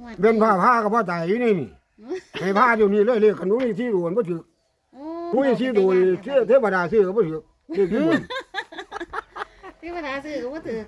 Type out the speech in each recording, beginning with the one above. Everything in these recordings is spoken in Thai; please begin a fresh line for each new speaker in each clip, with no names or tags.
เป็นผ้าก็บ่ตายอยู่นี่ให้ผ้าอยู่นี่เลยขนุนที่ดูบ่ถือผู้ที่ดูเทวดาซื้อก็บ่ถือเลขที่บน
เทวดาซื้อก็บ่ถือ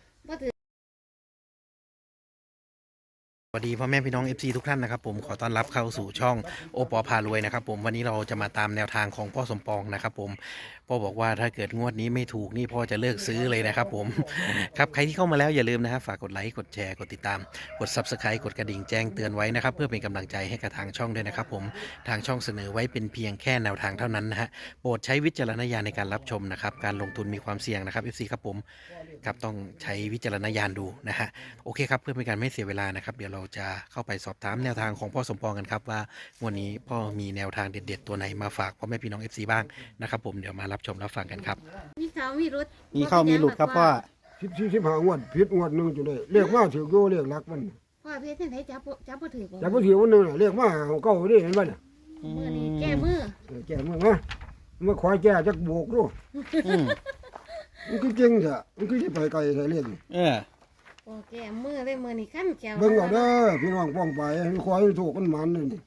สวัสดีพ่อแม่พี่น้อง FC ทุกท่านนะครับผมขอต้อนรับเข้าสู่ช่องโอปอพารวยนะครับผมวันนี้เราจะมาตามแนวทางของพ่อสมปองนะครับผมพ่อบอกว่าถ้าเกิดงวดนี้ไม่ถูกนี่พ่อจะเลิกซื้อเลยนะครับผมครับใครที่เข้ามาแล้วอย่าลืมนะครับฝากกดไลค์กดแชร์กดติดตามกด Subscribe กดกระดิ่งแจ้งเตือนไว้นะครับเพื่อเป็นกำลังใจให้กับทางช่องด้วยนะครับผมทางช่องเสนอไว้เป็นเพียงแค่แนวทางเท่านั้นนะฮะโปรดใช้วิจารณญาณในการรับชมนะครับการลงทุนมีความเสี่ยงนะครับ FC ครับผมครับต้องใช้วิจารณญาณดูนะฮะโอเคครับเพื่อเป็นการไม่เสียเวลานะครับเดี๋ยวเราจะเข้าไปสอบถามแนวทางของพ่อสมปองกันครับว่าวันนี้พ่อมีแนวทางเด็ดๆตัวไหนมาฝากพ่อแม่พี่น้อง FC บ้างนะครับผมเดี๋ยวมารับชมรับฟังกันครับ
มีเขามีรุด
มีเข้ามีหลุดครับพ่อ
15งวดผิดงวดนึงจุดได้เรียกมาถือโยเรียกรักมัน
พ่อเพชรที่ไหนจับบ่ถือบ่
แต่บ่ถือวันนึงเรียกมาเก่าดิเห็นบ่น่ะ
มื้อนี้แก้มือ
แก่มึงนะมาขอแก่จักโบกดูมันคือจริงจ้ะมันคือสิไปไกลใส่เรียก
โอ้แก้มือเลยมื้อนี้คั่นแก้ว
เบิ่งเอาเด้อพี่น้องป้องไปขอให้ถูกกันมันนี่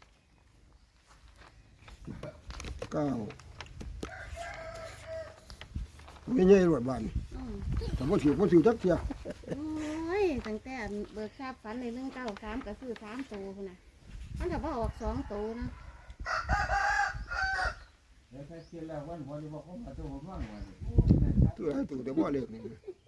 9ไม่ใหญ่รวดบ้านแต่บ่ถือจักเที่ย
โอ้ยตั้งแต่เบิกทราบฝันใน193ก็ซื้อ3ตัวพุ่นน่ะมันก็บ่ออก2ตัวนะ
ตัวให้ตัวแต่บ่เรียกนี่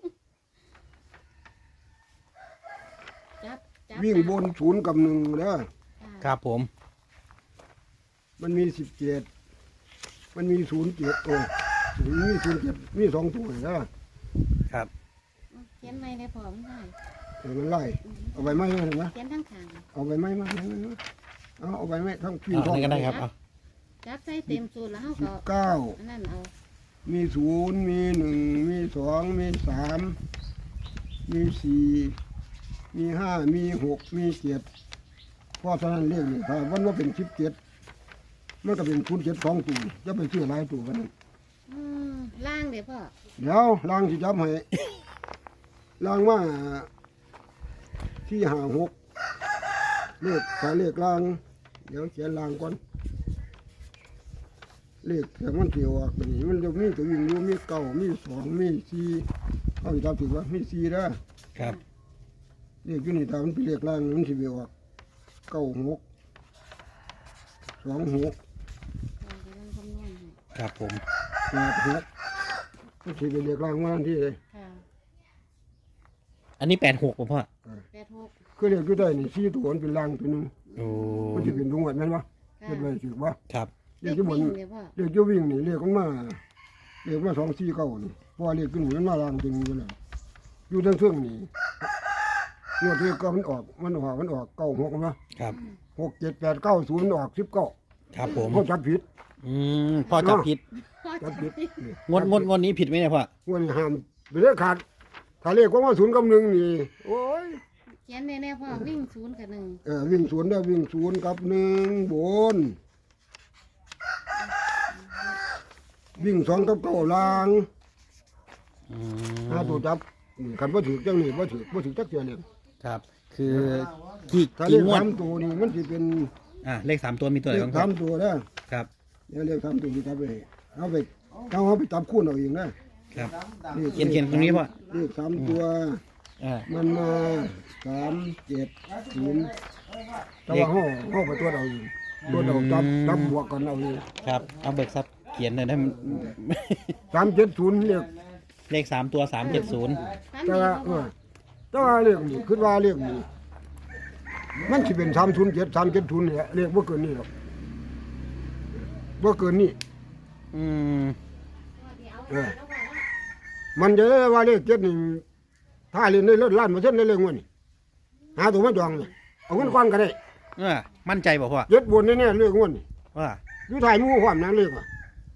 จับ
วิ่งบน0กับ1เด้อ
ครับผม
มันมี17มันมี07ตัวมี07มี2ตัวเด้อ
ครับ
เขียนไม้ได้พอมันได้
เดี๋ยวมันไล่เอาใบไม้มาเห็นไหม
เขียนทั้งข้าง
เอาใบไม้มาเอาใบไม้ทั้งพี่
เอา
ท้อง
นี่ก็ได้ครับเอา
จับใส่เต็มสูตรแล้วเฮาก็
19
อันนั้นเอา
มี0มี1มี2มี3มี4มี5มี6มี7เพราะฉะนั้นเรียกนี่ถ้าวันว่าเป็น17มันก็เป็น07 2ตัวจะไปซื้อหลายตัวกัน
ล่างเด้อพ่อ
เดี๋ยวล้างสิจับให้ล้างมาที่5 6เลขถ้าเลขล้างเดี๋ยวเขียนล้างก่อนเลขแต่มันเกี่ยวออกนี่มันจะมีตัววิ่งอยู่มี9มี2มี4เอาอีกตามถือว่ามี4เด้อ
ครับ
เลขอยู่นี่ถ้ามันเป็นเลขล้างมันสิไปออก96 26
พ่อจะลองคำนวณให้
ครับผม
86มันสิเป็นเลขล้างมาทันทีเลย
ค่ะ
อันนี้86ป่ะพ่อ
86
คือเลขอยู่ได้นี่4ตัวมันเป็นล้างตัวหนึง
โอ้
มันสิเป็นดวงแม่นบ่
ค่ะ
เฮ็ดไว้ถือบ่
ครับ
เลขที่บน
วิ่งเด้อพ่อ
เลขจะวิ่งนี่เลขมันมาเลขมา249นี่เพราะว่าเลขขึ้นมันมาลางจริงอยู่แล้วอยู่ทั้งเครื่องนี่งวดที่ก็มันออก96มั้ย
ครับ
6 7 8 9 0มันออก19
ครับผม
เขาจับผิด
พ่อจับผิด
พ่อ
จับผิดนี่
งวดนี้ผิดไหมเนี่ยพ่อ
งวดนี้ห้ามไปเลขขาดถ้าเลขว่า0กับ1นี่โอ้ย
เขียนแน่ๆพ่อวิ่ง0กับ1
วิ่ง0ได้วิ่ง0กับ1บนวิ่ง2กับ9ล่างหาตัวจับคันบ่ถูกจังนี่บ่ถูกจักเทื่อเลย
ครับ คือกี่
ถ้าเล
กี่
ข
งวด
3ตัวนี่มันสิเป็น
เลข3ตัวมีตัวไหน
เลข
บ้างครับ
3ตัวนะครับ เดี๋ยวเลข3ตัวสิจับไปเอาไปจับคู่เอาเองนะครับ
เขียนตรงนี้พ่อ
เลข3ตัว มันมา370แต่ว่าเฮาไปตัวเอาเองตัวเอาจับบวกกันเอาเอง
ครับเอาเบิกทรัพย์เขียนหน่อยได้มัน
370เลข
เลข3ตัว370
ฟัน
แต่
ดี
ว่า
บ่พ่อ
แต่ว่าเลขนี่คิดว่าเลขนี่มันสิเป็น307 370นี่แหละเลขบ่เกินนี้หรอกบ่เกินนี้ มันจะได้ว่าเลข7นี่ถ้าเล่นได้เลิศล้าน%ได้เลยงวดนี่หาตัวมาจองนี่เอาเงินก้อนก็ได้
มั่นใจบอกพ่อ
7บนแน่ๆเลขงวดนี่
ว่า
อยู่ถ่ายหมู่ความนั้นเลขอ่ะ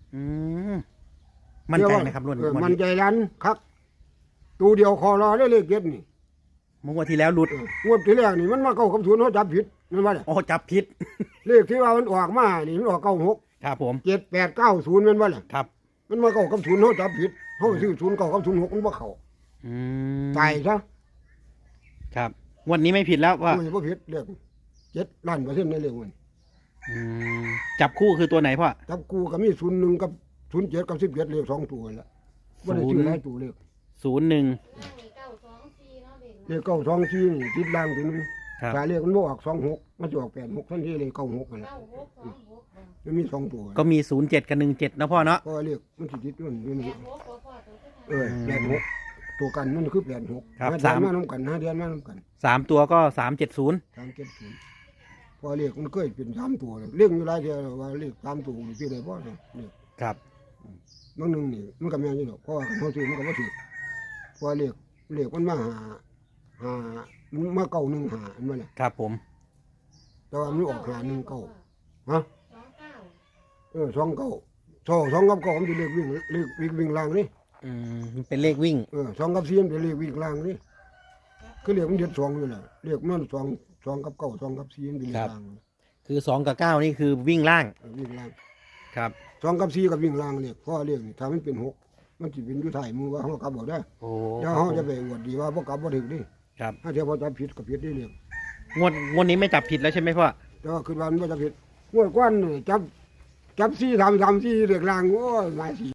มั่นใจไหมครับรุ่น
มันใจรันครับตัวเดียวคอรอได้เลข7นี่
เมื่อวันที่แล้วหลุด
งวดที่แรกนี่มันมาเข้ากับ0เฮาจับผิดนั่นว่า
โอ้จับผิด
เลขที่ว่ามันออกมานี่มันออก96
ครับผม
7890แม่นบ่ล่ะ
ครับ
มันมาเข้ากับ0เฮาจับผิดเฮาซื้อ0 9กับ06มันบ่เข้าตายซะ
ครับงวดนี้ไม่ผิดแล้วว่า
ไม่บ่ผิดเรียก7,000,000%ในเรื่องมัน
อืมจับคู่คือตัวไหนพ่อ
จับกูก็มี01กับ07กับ17เลข2ตัวนั่นแหละบ่ได้ชื่อหลายตัวเลข
01
นั่งนี่เก้าสองสี่เนาะเด็ก
เลข924นี่ติดล่างตัวนึง
ครับ
ถ้าเลขมันบ่ออก26มันจะออก86ทันทีเลย96นั่นแหละ
9626
มันมี2ตัว
ก็มี07กับ17นะพ่อเนาะ
เพราะว่าเลขมันสิติดอยู่นี่มัน
86บ่พอตัวคือทาง
86ตัวกันมันคือ86
ครับ
ห้า
สาม
เดือนมานำกัน5เดือนมานำกัน
3ตัวก็370
370พอเลขมันเคยเป็น3ตัวเลยเลขอยู่หลายเทื่อแล้วว่าเลข3ตัวนี่สิได้บ่เนี่ยนี่
ครับ
บางหนึงนี่มันก็แม่นอยู่ดอกเพราะว่าคันเฮาซื้อมันก็บ่ถูกเพราะว่าเลขมันมาหามันมา915อันนั้นแหละ
ครับผม
แต่ว่ามันออก519ฮะ
29
292กับ9มันสิเลขวิ่งล่างนี่
มันเป็นเลขวิ่ง
2กับ4มันเป็นเลขวิ่งล่างนี่คือเลขมันเด็ด2อยู่แหละเลขมัน2กับ9 2กับ4มันเป็นเลขล่าง
คือ2กับ9นี่คือวิ่งล่าง
วิ่งล่าง
ครับ
2กับ4กับวิ่งล่างเลขเพราะเลขนี่ถ้ามันเป็น6มันสิเป็นอยู่ท้ายมือว่าเฮากลับบ่ได้
โอ้
เดี๋ยวเฮาจะไปอวดดีว่าบ่กลับบ่ถึกดิ
ครับ
ถ้าเดี๋ยวพอจับผิดก็ผิดได้เลข
งวดนี้ไม่จับผิดแล้วใช่ไหมพ่อ
แต่ว่าคือว่ามันบ่จับผิดงวดก่อนนี่จับ4 3 4เลขล่างโอ้ยหลายสี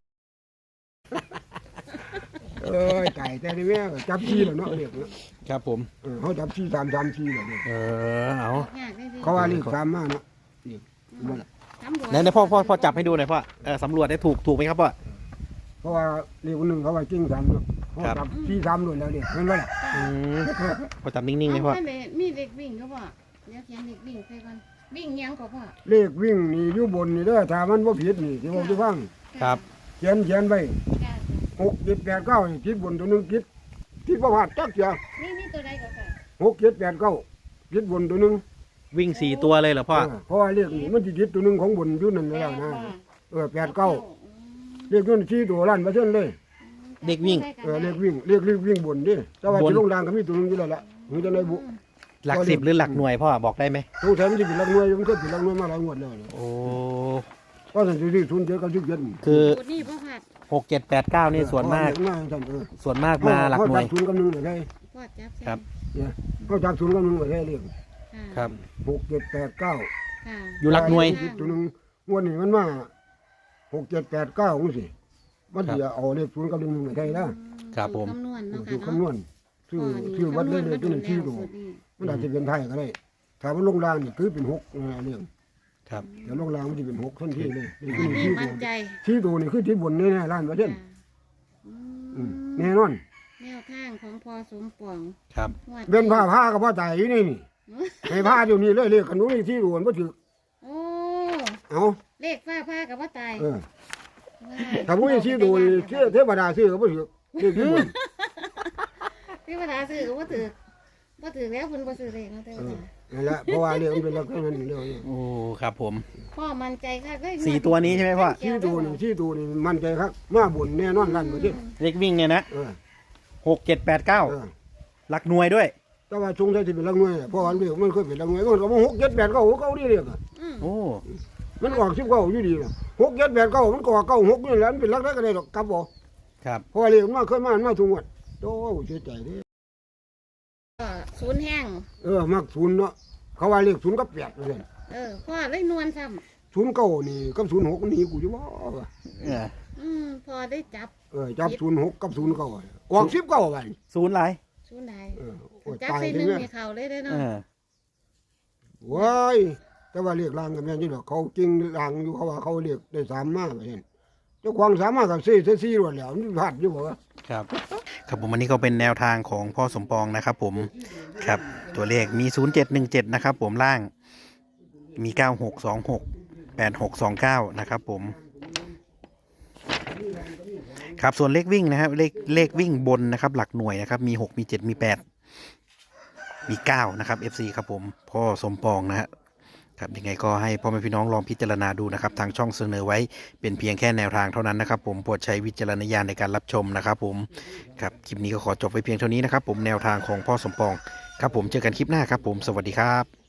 เอ้ยไก่แต่นี่แม่จับ4แล้วเนาะเลขเนาะ
ครับผม
เฮาจับ4 3 3 4แล้วเนี่ย
เอา
ยากได้สิ
เขาว่าเลข3มาเนาะนี่บ่ล่ะ
ตำรวจ
ไหนพ่อจับให้ดูหน่อยพ่อสำรวจได้ถูกไหมครับพ่อ
เพราะว่าเลขคนหนึงเขาว่าจริง3เนาะเขา
ครับ
จับ4 3ด้วยแล้วเนี่ยเห็นบ่ล่ะ
พ่อจับนิ่งๆเลยพ่อ
เอาไปมีเด็กวิ่งก็บ่เดี๋ยวเขียนเด็กวิ่งใส่ก่อนวิ่งยังก็พ่อ
เลขวิ่งนี่อยู่บนนี่เด้อถ้ามันบ่ผิดนี่สิบอกสิฟัง
ครับ
เขียนไว้
จ้ะ
6 7 8 9นี่ผิดบนตัวหนึงผิดบ่พลาดจักเสีย
นี่ตัวใดก็ค่ะ
6 7 8 9ผิดบนตัวหนึง
วิ่ง4ตัวเลยเหรอพ่อ
เพราะว่าเลขนี่มันสิผิดตัวหนึงของบนอยู่นั่นแล้วนะ8 9เลขนั้น4ตัวล้านเปอร์เซ็นต์เลย
เด็กวิ่ง
เลขวิ่งบนดิแต่ว่า
บน
สิลงล่างก็มีตัวหนึงอยู่แล้วล่ะมีจังได๋บุ
หลัก10หรือหลักหน่วยพ่อบอกได้ไหม
สงสัยมันสิเป็นหลักหน่วยมันเคยเป็นหลักหน่วยมาหลายงวดแล้วเนี่ย
โอ้
เพราะฉะนั้นสิทุนเยอะกับ17
คือ
สูตรนี่พ่อผัด
6 7 8 9นี่ส่วนมาก ส่วนมากมาหลักหน่วย
เขาจับศูนย์กับหนึ่งไว้ได้
พ่อจับ
ครับ
เนี่ยเขาจับศูนย์กับหนึ่งไว้ได้เรียก
ครับ
6 7 8 9
ค่ะ
อยู่หลักหน่วย
ตัวหนึงงวดนี้มันมา6 7 8 9จังซี่มันสิเอาเลขศูนย์กับหนึ่งไว้ได้นะครับ
ผม
คำนวณเนาะ
คือ
ค่ะ
คำนวณชื่อวัดได้เลยตัวนี้ชื่อดูมันอาจจะเป็นไทยก็ได้ถ้ามันลงล่างนี่คือเป็น6เรื่อง
ครับ
เดี๋ยวลงล่างมันสิเป็น6ทันทีเลยนี่
อัน
คือ
นี้
ชื่อ
มั่
ตั
น
ว
ใจ
ชื่อตัวนี่คือที่บนแน่ๆล้านเปอร์เซ็นต์ แน่นอน
แนวทางของพอสมปอง
ครับ
งวด
เป็นผ้ากับผ้าใจอยู่นี่ให้ผ้าอยู่นี่เลยเรียกกันนู้นที่ดูมันบ่ถือ
โอ้
เอา
เลขฟ้าผ้ากับว่าตาย
ถ้าผู้ที่ดูนี่เทวดาซื้อก็บ่ถือเรียกที่บน
ที่ภาษาซื้อก็ว่าถือว่าถือแล้วคุณบ่ซื้อเลยเนาะเจ้าค่ะ
นั่นแหละเพราะว่าเรียกมันเป็นลักษณะนั้นเรื่องนี้
โอ้ครับผม
พ่อมั่นใจค่ะได้
4ตัวนี้ใช่ไหมพ่อ
ที่ดูนี่มั่นใจครับมาบุญแน่นอนล้านเปอร์เซ็นต์
เลขวิ่งเนี่ยนะ
เออ
6 7 8
เออ
9หลักหน่วยด้วย
แต่ว่าสงสัยสิเป็นลักหน่วยเพราะว่าเรียกมันเคยเป็นลักหน่วยมันก็บ่6 7 8 9 9นี่เรียก
โอ้
มันออก19อยู่ดีนะ6 7 8 9มันก็9 6นี่แหละมันเป็นลักได้ก็ได้ดอกกลับบ่
ครับ
เพราะว่าเรียกมันเคยมาทุกงวดโอ้เสียใจเด้
ก็ศูนย์แห้ง
มักศูนย์เนาะเขาว่าเรียก0กับ8ว่าซั่น
พ่อเลยนวลซ้
09นี่กับ06มันหนีกูอยู่บ่
ำพ่อได้จับ
จับ06กับ09ออก19วัน
ศูนย์หลาย
ศูนย์ใด
โอ้ย
จับ
ตาย
ใส่ห
เล
นึ่
ย
ง
แม่
ในเขาเลยได้
เอ
เนาะ
อ
ว้ายแต่ว่าเรียกลางกันแม่นอยู่ดอกเขาจริงลางอยู่เขาว่าเขาเรียกได้3มาว่าซั่นเจ้าของ3มาก็ซี่รวดแล้วมันพลาดอยู่บ่วะ
ครับครับผมอันนี้ก็เป็นแนวทางของพ่อสมปองนะครับผมครับตัวเลขมี0717นะครับผมล่างมี9626 8629นะครับผมครับส่วนเลขวิ่งนะครับเลขวิ่งบนนะครับหลักหน่วยนะครับมี6มี7มี8มี9นะครับ FC ครับผมพ่อสมปองนะฮะครับยังไงก็ให้พ่อแม่พี่น้องลองพิจารณาดูนะครับทางช่องเสนอไว้เป็นเพียงแค่แนวทางเท่านั้นนะครับผมโปรดใช้วิจารณญาณในการรับชมนะครับผมครับคลิปนี้ก็ขอจบไว้เพียงเท่านี้นะครับผมแนวทางของพ่อสมปองครับผมเจอกันคลิปหน้าครับผมสวัสดีครับ